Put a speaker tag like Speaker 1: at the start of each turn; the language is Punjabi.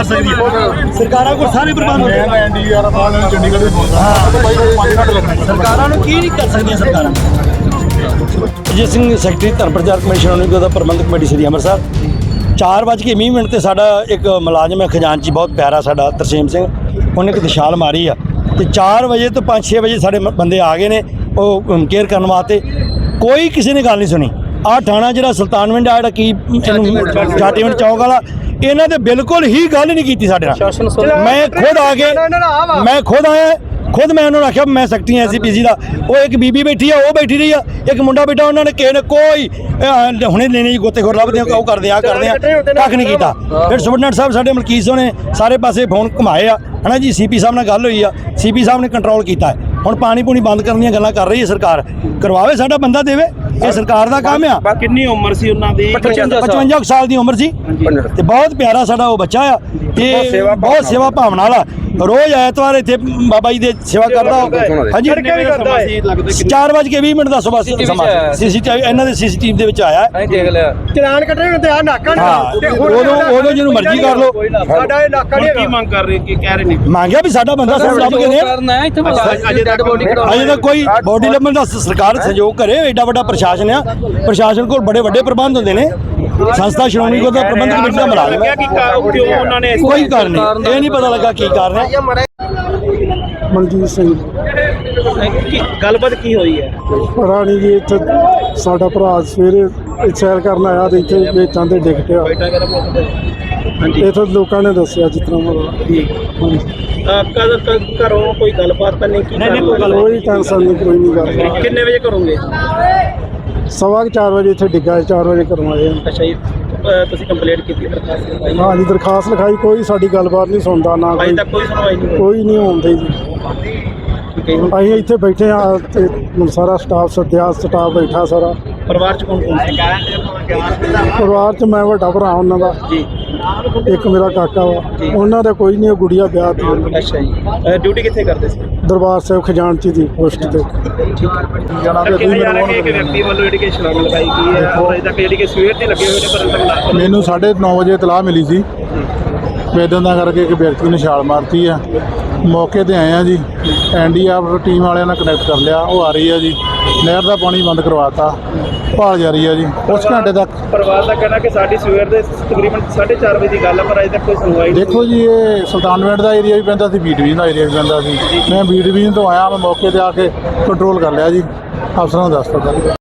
Speaker 1: ਕਰ ਸਕਦੀ ਹੈ। ਸਰਕਾਰਾਂ ਕੋਲ ਸਾਰੇ ਪ੍ਰਬੰਧ ਹੁੰਦੇ
Speaker 2: ਮੈਂ ਐਨਡੀਆਰ ਵਾਲਾ ਚੰਡੀਗੜ੍ਹ ਦੇ ਬੋਲਦਾ ਬਾਈ 5 ਘੰਟੇ ਲੱਗਣੇ।
Speaker 1: ਸਰਕਾਰਾਂ ਨੂੰ ਕੀ ਨਹੀਂ ਕਰ ਸਕਦੀਆਂ ਸਰਕਾਰਾਂ। ਅਜੀਤ ਸਿੰਘ ਸੈਕਟਰੀ ਧਰਮ ਪ੍ਰਚਾਰ ਕਮਿਸ਼ਨ ਨਿਗਮ ਦਾ ਪ੍ਰਬੰਧਕ ਕਮੇਟੀ ਸ੍ਰੀ ਅੰਮ੍ਰਿਤਸਰ। 4:20 ਤੇ ਸਾਡਾ ਇੱਕ ਮੁਲਾਜ਼ਮ ਹੈ ਖਜ਼ਾਨਚੀ ਬਹੁਤ ਪਿਆਰਾ ਸਾਡਾ ਤਰਸੇਮ ਸਿੰਘ, ਉਹਨੇ ਇੱਕ ਦਿਸ਼ਾਲ ਮਾਰੀ ਆ ਤੇ 4 ਵਜੇ ਤੋਂ 5-6 ਵਜੇ ਸਾਡੇ ਬੰਦੇ ਆ ਗਏ ਨੇ ਉਹ ਕੇਅਰ ਕਰਨ ਵਾਸਤੇ। ਕੋਈ ਕਿਸੇ ਨੇ ਗੱਲ ਨਹੀਂ ਸੁਣੀ। ਆਹ ਥਾਣਾ ਜਿਹੜਾ ਸੁਲਤਾਨਵਿੰਡ ਆ ਜਿਹੜਾ ਕੀ ਇਹਨੂੰ ਜਾਟੀਵਿੰਡ ਚੌਕ ਵਾਲਾ, ਇਹਨਾਂ ਦੇ ਬਿਲਕੁਲ ਹੀ ਗੱਲ ਨਹੀਂ ਕੀਤੀ ਸਾਡੇ ਨਾਲ। ਮੈਂ ਖੁਦ ਆ ਕੇ ਮੈਂ ਖੁਦ ਆਇਆ ਖੁਦ ਮੈਂ ਉਹਨਾਂ ਨੂੰ ਆਖਿਆ ਮੈਂ ਸੈਕਟਰੀ ਐਸਜੀਪੀਸੀ ਦਾ। ਉਹ ਇੱਕ ਬੀਬੀ ਬੈਠੀ ਆ, ਉਹ ਬੈਠੀ ਰਹੀ ਆ, ਇੱਕ ਮੁੰਡਾ ਬੈਠਾ, ਉਹਨਾਂ ਨੇ ਕਿਸੇ ਨੇ ਕੋਈ ਹੁਣੇ ਲੈਣੇ ਜੀ ਗੋਤੇਖੋਰ ਲੱਭਦੇ ਆ, ਉਹ ਕਰਦੇ ਆ ਕੱਖ ਨਹੀਂ ਕੀਤਾ। ਫਿਰ ਸੁਪਰਡੈਂਟ ਸਾਹਿਬ ਸਾਡੇ ਮਲਕੀਤ ਸਿੰਘ ਨੇ ਸਾਰੇ ਪਾਸੇ ਫੋਨ ਘੁਮਾਏ ਆ ਹੈ ਨਾ ਜੀ। ਸੀਪੀ ਸਾਹਿਬ ਨਾਲ ਗੱਲ ਹੋਈ ਆ, ਸੀਪੀ ਸਾਹਿਬ ਨੇ ਕੰਟਰੋਲ ਕੀਤਾ ਹੈ। ਹੁਣ ਪਾਣੀ ਪੂਣੀ ਬੰਦ ਕਰਨ ਦੀਆਂ ਗੱਲਾਂ ਕਰ ਰਹੀ ਹੈ ਸਰਕਾਰ। ਕਰਵਾਵੇ, ਸਾਡਾ ਬੰਦਾ ਦੇਵੇ, ਇਹ ਸਰਕਾਰ ਦਾ ਕੰਮ ਆ।
Speaker 3: ਕਿੰਨੀ ਉਮਰ ਸੀ ਉਹਨਾਂ ਦੀ?
Speaker 1: 55 ਸਾਲ ਦੀ ਉਮਰ ਸੀ ਤੇ ਬਹੁਤ ਪਿਆਰਾ ਸਾਡਾ ਉਹ ਬੱਚਾ ਆ ਤੇ ਬਹੁਤ ਸੇਵਾ ਭਾਵਨਾ ਵਾਲਾ। ਰੋਜ਼ ਐਤਵਾਰ ਇੱਥੇ ਬਾਬਾ ਜੀ ਦੇ ਸੇਵਾ ਕਰਦਾ। ਹਾਂਜੀ 4:20 ਦਾ ਸਵੇਰ ਸਮਾਂ ਸੀਸੀਟੀਵੀ ਇਹਨਾਂ ਦੇ ਸੀਸੀਟੀਵੀ ਦੇ ਵਿੱਚ ਆਇਆ।
Speaker 4: ਦੇਖ ਲਿਆ
Speaker 3: ਚਲਾਨ ਕੱਢਣੇ ਹੁੰਦੇ ਆ ਨਾਕਾ
Speaker 1: ਉਦੋਂ ਜਿਹਨੂੰ ਮਰਜ਼ੀ ਕਰ ਲਓ।
Speaker 3: ਸਾਡਾ ਇਹ ਇਲਾਕਾ ਨਹੀਂ ਕੀ ਮੰਗ ਕਰ ਰਹੇ ਕੀ ਕਹਿ ਰਹੇ ਨੇ?
Speaker 1: ਮੰਗਿਆ ਵੀ ਸਾਡਾ ਬੰਦਾ ਸਾਨੂੰ ਲੱਭ ਕੇ ਦੇ। ਅਜੇ ਤੱਕ ਕੋਈ ਬੋਡੀ ਲੱਭਣ ਦਾ ਸਰਕਾਰ ਸਹਿਯੋਗ ਕਰੇ। ਐਡਾ ਵੱਡਾ ਪ੍ਰਸ਼ਾਸਨ ਆ, ਪ੍ਰਸ਼ਾਸਨ ਕੋਲ ਬੜੇ ਵੱਡੇ ਪ੍ਰਬੰਧ ਹੁੰਦੇ ਨੇ। ਸੰਸਥਾ ਸ਼੍ਰੋਮਣੀ ਗੁਰਦੁਆਰਾ ਪ੍ਰਬੰਧਕ ਕਮੇਟੀ ਦਾ ਮੁਲਾਜ਼ਮ ਹੈ। ਕੋਈ ਕਾਰਨ ਨਹੀਂ, ਇਹ ਨਹੀਂ ਪਤਾ ਲੱਗਾ ਕੀ ਕਾਰਨ ਹੈ।
Speaker 2: ਮਨਜੀਤ ਸਿੰਘ
Speaker 3: ਗੱਲਬਾਤ ਕੀ ਹੋਈ ਹੈ?
Speaker 2: ਰਾਣੀ ਜੀ ਇੱਥੇ ਸਾਡਾ ਭਰਾ ਸਵੇਰੇ ਸੈਰ ਕਰਨ ਆਇਆ ਤੇ ਇੱਥੇ ਵੇਚਾਂ ਤੇ ਡਿੱਗ ਪਿਆ। ਇੱਥੇ ਲੋਕਾਂ ਨੇ ਦੱਸਿਆ ਜਿਸ ਤਰ੍ਹਾਂ
Speaker 3: ਘਰੋਂ ਕੋਈ ਗੱਲਬਾਤ ਤਾਂ ਨਹੀਂ ਕੀਤੀ?
Speaker 2: ਕੋਈ ਟੈਨਸ਼ਨ ਨਹੀਂ, ਕੋਈ ਨਹੀਂ ਗੱਲ।
Speaker 3: ਕਿੰਨੇ ਵਜੇ ਕਰੋਗੇ?
Speaker 2: 4:15 ਵਜੇ ਇੱਥੇ ਡਿੱਗਾ, 4 ਵਜੇ ਕਰਵਾਏ।
Speaker 3: ਅੱਛਾ ਜੀ, ਤੁਸੀਂ ਕੰਪਲੇਂਟ ਕੀਤੀ? ਦਰਖਾਸਤ ਲਿਖਾਈ?
Speaker 2: ਹਾਂ ਜੀ, ਦਰਖਾਸਤ ਲਿਖਾਈ, ਕੋਈ ਸਾਡੀ ਗੱਲਬਾਤ ਨਹੀਂ ਸੁਣਦਾ ਨਾ
Speaker 3: ਅਜੇ ਤੱਕ ਕੋਈ ਸੁਣਵਾਈ ਨਹੀਂ ਹੋਈ?
Speaker 2: ਕੋਈ ਨਹੀਂ ਹੁੰਦੀ ਜੀ। ਅਸੀਂ ਇੱਥੇ ਬੈਠੇ ਆ ਤੇ ਸਾਰਾ ਸਟਾਫ ਸੱਦਿਆ, ਸਟਾਫ ਬੈਠਾ ਸਾਰਾ।
Speaker 3: ਪਰਿਵਾਰ ਚ ਕੌਣ ਕੌਣ ਸੀ?
Speaker 2: ਪਰਿਵਾਰ 'ਚ ਮੈਂ ਵੱਡਾ ਭਰਾ ਉਹਨਾਂ ਦਾ
Speaker 3: ਜੀ,
Speaker 2: ਇੱਕ ਮੇਰਾ ਕਾਕਾ ਵਾ, ਉਹਨਾਂ ਦਾ ਕੋਈ ਨਹੀਂ, ਗੁੜੀਆ ਵਿਆਹ ਤੇ।
Speaker 3: ਅੱਛਾ ਜੀ, ਡਿਊਟੀ ਕਿੱਥੇ ਕਰਦੇ ਸੀ?
Speaker 2: ਦਰਬਾਰ ਸਾਹਿਬ ਖਜ਼ਾਨਚੀ ਦੀ ਪੋਸਟ ਤੇ।
Speaker 3: ਇੱਕ ਵਿਅਕਤੀ ਵੱਲੋਂ ਜਿਹੜੀ ਕਿ ਛਲਾਂਗ ਲਗਾਈ ਗਈ ਹੈ, ਅਜੇ ਤੱਕ ਜਿਹੜੀ ਕਿ ਸਵੇਰ ਦੇ ਲੱਗੇ ਹੋਏ ਨੇ ਪਰ
Speaker 2: ਮੈਨੂੰ 9:30 ਵਜੇ ਇਤਲਾਹ ਮਿਲੀ ਸੀ ਵੇਦਨ ਦਾ ਕਰਕੇ ਇੱਕ ਵਿਅਕਤੀ ਨੇ ਛਾਲ ਮਾਰਤੀ ਆ। ਮੌਕੇ ਤੇ ਆਏ ਆ ਜੀ, ਐਨਡੀਆਰ ਟੀਮ ਵਾਲਿਆਂ ਨਾਲ ਕਨੈਕਟ ਕਰ ਲਿਆ, ਉਹ ਆ ਰਹੀ ਆ ਜੀ। ਨਹਿਰ ਦਾ ਪਾਣੀ ਬੰਦ ਕਰਵਾਤਾ, ਭਾਲ ਜਾਰੀ ਆ ਜੀ ਉਸ ਘੰਟੇ ਤੱਕ।
Speaker 3: ਪਰਿਵਾਰ ਦਾ ਕਹਿਣਾ ਕਿ ਸਾਡੀ ਸਵੇਰ ਦੇ ਤਕਰੀਬਨ 4:30 ਵਜੇ ਦੀ ਗੱਲ ਹੈ ਪਰ ਅਜੇ ਤੱਕ ਕੋਈ ਸੁਣਵਾਈ ਨਹੀਂ।
Speaker 2: ਦੇਖੋ ਜੀ, ਇਹ ਸੁਲਤਾਨਵਿੰਡ ਦਾ ਏਰੀਆ ਵੀ ਪੈਂਦਾ ਸੀ, ਬੀ ਡਿਵੀਜ਼ਨ ਦਾ ਏਰੀਆ ਵੀ ਪੈਂਦਾ ਸੀ। ਮੈਂ ਬੀ ਡਿਵੀਜ਼ਨ ਤੋਂ ਆਇਆ, ਮੈਂ ਮੌਕੇ ਤੇ ਆ ਕੇ ਕੰਟਰੋਲ ਕਰ ਲਿਆ ਜੀ, ਅਫਸਰਾਂ ਨੂੰ ਦੱਸ ਦਿੱਤਾ।